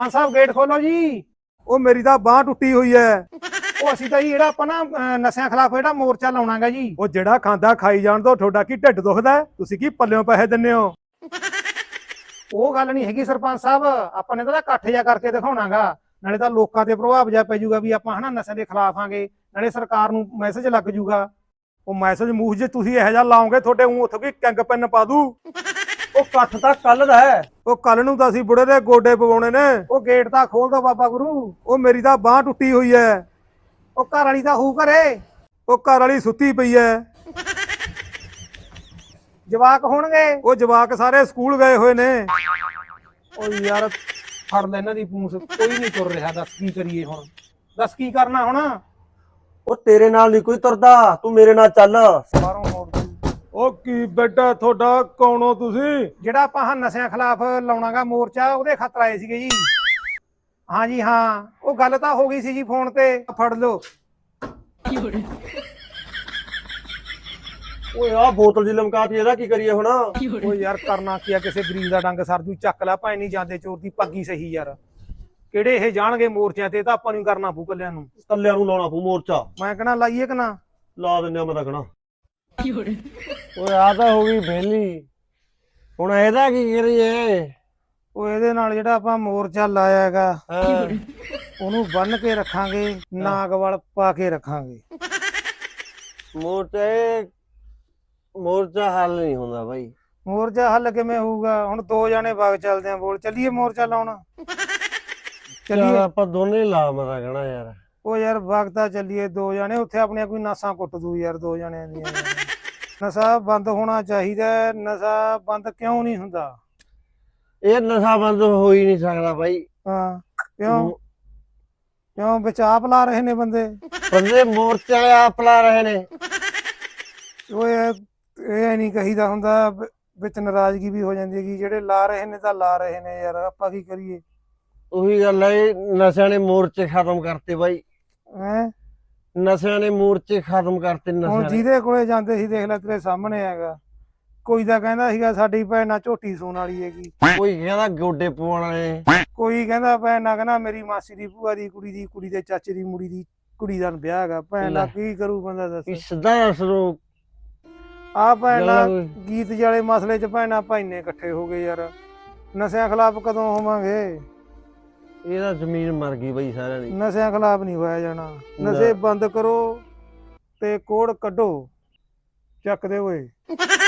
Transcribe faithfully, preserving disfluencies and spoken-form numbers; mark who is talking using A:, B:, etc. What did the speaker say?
A: ਹਾਂ ਸਾਹਿਬ ਗੇਟ ਖੋਲੋ ਜੀ।
B: ਉਹ ਮੇਰੀ ਤਾਂ ਬਾਹ ਟੁੱਟੀ ਹੋਈ ਐ।
A: ਉਹ ਅਸੀਂ ਤਾਂ ਜੀ ਜਿਹੜਾ ਆਪਾਂ ਨਾ ਅਹ, ਨਸ਼ਿਆਂ ਖਿਲਾਫ ਜਿਹੜਾ ਮੋਰਚਾ ਲਾਉਣਾਗਾ ਜੀ।
B: ਉਹ ਜਿਹੜਾ ਖਾਂਦਾ ਖਾਈ ਜਾਣ ਤੋਂ ਤੁਹਾਡਾ ਕੀ ਢਿੱਡ ਦੁਖਦਾ ਹੈ? ਤੁਸੀਂ ਕੀ ਪੱਲਿਓਂ ਪੈਸੇ ਦਿੰਦੇ ਹੋ?
A: ਉਹ ਗੱਲ ਨਹੀਂ ਹੈਗੀ ਸਰਪੰਚ ਸਾਹਿਬ, ਆਪਾਂ ਨੇ ਤਾਂ ਇਕੱਠ ਜਿਹਾ ਕਰਕੇ ਦਿਖਾਉਣਾਗਾ। ਨਾਲੇ ਤਾਂ ਲੋਕਾਂ ਤੇ ਪ੍ਰਭਾਵ ਜਿਹਾ ਪੈ ਜਾਊਗਾ ਵੀ ਆਪਾਂ ਹਨਾ ਨਸ਼ੇ ਦੇ ਖਿਲਾਫ ਆਂਗੇ, ਨਾਲੇ ਸਰਕਾਰ ਨੂੰ ਮੈਸੇਜ ਲੱਗ ਜਾਊਗਾ।
B: ਉਹ ਮੈਸੇਜ ਮੂਹ ਜੇ ਤੁਸੀਂ ਇਹੋ ਜਿਹਾ ਲਾਓਗੇ ਤੁਹਾਡੇ ਉਂ ਉੱਥੋਂ ਕੀ ਕਿੰਗ ਪੈਨ ਪਾ ਦੂ।
C: ਉਹ ਇਕੱਠ ਤਾਂ ਕੱਲ ਦਾ ਹੈ।
B: ਉਹ ਕੱਲ ਨੂੰ ਤਾਂ ਅਸੀਂ ਬੁੜੇ ਦੇ ਗੋਡੇ ਪਵਾਉਣੇ ਨੇ।
A: ਉਹ ਗੇਟ ਤਾਂ ਖੋਲ ਦੋ ਬਾਬਾ ਗੁਰੂ।
B: ਉਹ ਮੇਰੀ ਤਾਂ ਬਾਹ ਟੁੱਟੀ ਹੋਈ ਐ।
A: ਉਹ ਘਰ ਵਾਲੀ ਤਾਂ ਹੂ ਘਰੇ।
B: ਉਹ ਘਰ ਵਾਲੀ ਸੁੱਤੀ ਪਈ ਐ।
A: ਜਵਾਕ ਹੋਣਗੇ।
B: ਉਹ ਜਵਾਕ ਸਾਰੇ ਸਕੂਲ ਗਏ ਹੋਏ ਨੇ।
A: ਉਹ ਯਾਰ ਫੜ ਲੈ ਇਹਨਾਂ ਦੀ ਪੂੰਛ, ਕੋਈ ਨਹੀਂ ਤੁਰ ਰਿਹਾ। ਦੱਸ ਕੀ ਕਰੀਏ ਹੁਣ, ਦੱਸ ਕੀ ਕਰਨਾ ਹੁਣ।
C: ਉਹ ਤੇਰੇ ਨਾਲ ਨਹੀਂ ਕੋਈ ਤੁਰਦਾ, ਤੂੰ ਮੇਰੇ ਨਾਲ ਚੱਲ।
A: ਬਾਹਰੋਂ ਮੋੜ ਦੂ।
B: ਉਹ ਕੀ ਬੇਟਾ ਤੁਹਾਡਾ ਕੌਣ ਹੋ ਤੁਸੀਂ?
A: ਜਿਹੜਾ ਆਪਾਂ ਹਾਂ ਨਸ਼ਿਆਂ ਖਿਲਾਫ ਲਾਉਣਾਗਾ ਮੋਰਚਾ, ਉਹਦੇ ਖਾਤਰ ਆਏ ਸੀਗੇ ਜੀ। ਹਾਂ ਜੀ ਹਾਂ, ਉਹ ਗੱਲ ਤਾਂ ਹੋ ਗਈ ਸੀ ਜੀ ਫੋਨ ਤੇ। ਫੜ ਲਓ।
C: ਓਏ ਆ ਬੋਤਲ ਜੀ ਲਮਕਾਤੀ, ਇਹਦਾ ਕੀ ਕਰੀਏ ਹੁਣ?
A: ਉਹ ਯਾਰ ਕਰਨਾ ਕੀ ਆ, ਕਿਸੇ ਗਰੀਬ ਦਾ ਡੰਗ ਸਰਦੂ ਚੱਕ ਲੈ ਭਾਵੇਂ ਨਹੀਂ ਜਾਂਦੇ ਚੋਰ ਦੀ ਪੱਗੀ ਸਹੀ ਯਾਰ। ਕਿਹੜੇ ਇਹ ਜਾਣਗੇ ਮੋਰਚਿਆਂ ਤੇ, ਤਾਂ ਆਪਾਂ ਨੂੰ ਕਰਨਾ ਪਊ ਕੱਲਿਆਂ ਨੂੰ।
C: ਕੱਲਿਆਂ ਨੂੰ ਲਾਉਣਾ ਪਊ ਮੋਰਚਾ।
A: ਮੈਂ ਕਹਣਾ ਲਾਈਏ ਕਿ ਨਾ
C: ਲਾ ਦਿੰਦੇ ਆ, ਮੈਂ ਤਾਂ ਕਹਣਾ।
D: ਓਏ ਆ ਤਾਂ ਹੋ ਗਈ ਵਿਹਲੀ, ਹੁਣ ਇਹਦਾ ਕੀ ਕਰੀਏ?
A: ਉਹ ਇਹਦੇ ਨਾਲ ਜਿਹੜਾ ਆਪਾਂ ਮੋਰਚਾ ਲਾਇਆ ਹੈਗਾ
D: ਹਾਂ,
A: ਉਹਨੂੰ ਬੰਨ ਕੇ ਰੱਖਾਂਗੇ, ਨਾਗਵਲ ਪਾ ਕੇ ਰੱਖਾਂਗੇ।
D: ਮੋਰਚਾ ਇਹ ਮੋਰਚਾ ਹੱਲ ਨਹੀਂ ਹੁੰਦਾ ਬਾਈ।
A: ਮੋਰਚਾ ਹੱਲ ਕਿਵੇਂ ਹੋਊਗਾ? ਹੁਣ ਦੋ ਜਾਣੇ ਬਾਗ ਚੱਲਦੇ ਆ, ਬੋਲ ਚੱਲੀਏ ਮੋਰਚਾ ਲਾਉਣ।
D: ਚੱਲ
A: ਚੱਲੀਏ।
D: ਆਪਾਂ ਦੋਨੇ ਲਾ, ਮੈਂ ਤਾਂ ਕਹਣਾ ਯਾਰ।
A: ਉਹ ਯਾਰ ਵਗਤਾ ਚੱਲੀਏ ਦੋ ਜਾਣੇ, ਉੱਥੇ ਆਪਣੀਆਂ ਕੋਈ ਨਾਸਾਂ ਕੁੱਟ ਦੂ ਯਾਰ ਦੋ ਜਣਿਆਂ ਦੀਆਂ। ਨਸ਼ਾ ਬੰਦ ਹੋਣਾ ਚਾਹੀਦਾ। ਨਸ਼ਾ ਬੰਦ ਕਿਉਂ ਨਹੀਂ ਹੁੰਦਾ?
D: ਇਹ ਨਸ਼ਾ ਬੰਦ ਹੋ ਹੀ ਨਹੀਂ ਸਕਦਾ ਬਾਈ।
A: ਹਾਂ ਕਿਉਂ ਕਿਉਂ ਬਚਾਅ ਲਾ ਰਹੇ ਨੇ ਬੰਦੇ।
D: ਬੰਦੇ ਮੋਰਚੇ ਵਾਲੇ ਆਪ ਲਾ ਰਹੇ ਨੇ।
A: ਓਏ ਇਹ ਨਹੀਂ ਕਹੀਦਾ ਹੁੰਦਾ, ਵਿੱਚ ਨਾਰਾਜ਼ਗੀ ਵੀ ਹੋ ਜਾਂਦੀ ਹੈਗੀ। ਜਿਹੜੇ ਲਾ ਰਹੇ ਨੇ ਤਾਂ ਲਾ ਰਹੇ ਨੇ ਯਾਰ, ਆਪਾਂ ਕੀ ਕਰੀਏ?
D: ਉਹੀ ਗੱਲ ਹੈ, ਨਸ਼ਿਆਂ ਨੇ ਮੋਰਚੇ ਖਤਮ ਕਰਤੇ ਬਾਈ।
A: ਹੈਂ
D: ਨਸ਼ਿਆਂ ਨੇ ਮੋਰਚੇ ਖਤਮ ਕਰਤੇ।
A: ਹੁਣ
D: ਨਸ਼ਿਆਂ ਨੇ
A: ਜਿਹਦੇ ਕੋਲੇ ਜਾਂਦੇ ਸੀ ਦੇਖ ਲੈ ਤੇਰੇ ਸਾਹਮਣੇ ਹੈਗਾ। ਕੋਈ ਤਾਂ ਕਹਿੰਦਾ ਸੀਗਾ ਸਾਡੀ ਭੈਣ ਨਾਲ ਝੋਟੀ ਸੂਣ ਵਾਲੀ ਹੈਗੀ,
D: ਕੋਈ ਕਹਿੰਦਾ ਗੋਡੇ ਪਵਾਉਣ ਵਾਲੇ,
A: ਕੋਈ ਕਹਿੰਦਾ ਭੈਣ ਨਾਲ ਕਹਿੰਦਾ ਮੇਰੀ ਮਾਸੀ ਦੀ ਭੂਆ ਦੀ ਕੁੜੀ ਦੀ ਕੁੜੀ ਦੇ ਚਾਚੇ ਦੀ ਮੁੜੀ ਦੀ ਕੁੜੀ ਦਾ ਵਿਆਹ ਹੈਗਾ। ਭੈਣ ਨਾਲ ਕੀ ਕਰੂ ਬੰਦਾ
D: ਵੀ
A: ਦੱਸ।
D: ਸਿੱਧਾ ਦੱਸ ਦੋ।
A: ਆ ਭੈਣ ਨਾਲ
D: ਗੱਲ-
A: ਗੀਤ ਵਾਲੇ ਮਸਲੇ 'ਚ ਭੈਣਾਂ ਭਾਈਨੇ ਇਕੱਠੇ ਹੋ ਗਏ ਯਾਰ। ਨਸ਼ਿਆਂ ਖਿਲਾਫ ਕਦੋਂ ਹੋਵਾਂਗੇ?
D: ਇਹਦਾ ਜ਼ਮੀਨ ਮਰ ਗਈ ਬਾਈ ਸਾਰਿਆਂ ਦੀ।
A: ਨਸ਼ਿਆਂ ਖਿਲਾਫ ਨਹੀਂ ਹੋਇਆ ਜਾਣਾ। ਨਸ਼ੇ ਬੰਦ ਕਰੋ ਤੇ ਕੋੜ ਕੱਢੋ। ਚੱਕ ਦੇ ਓਏ।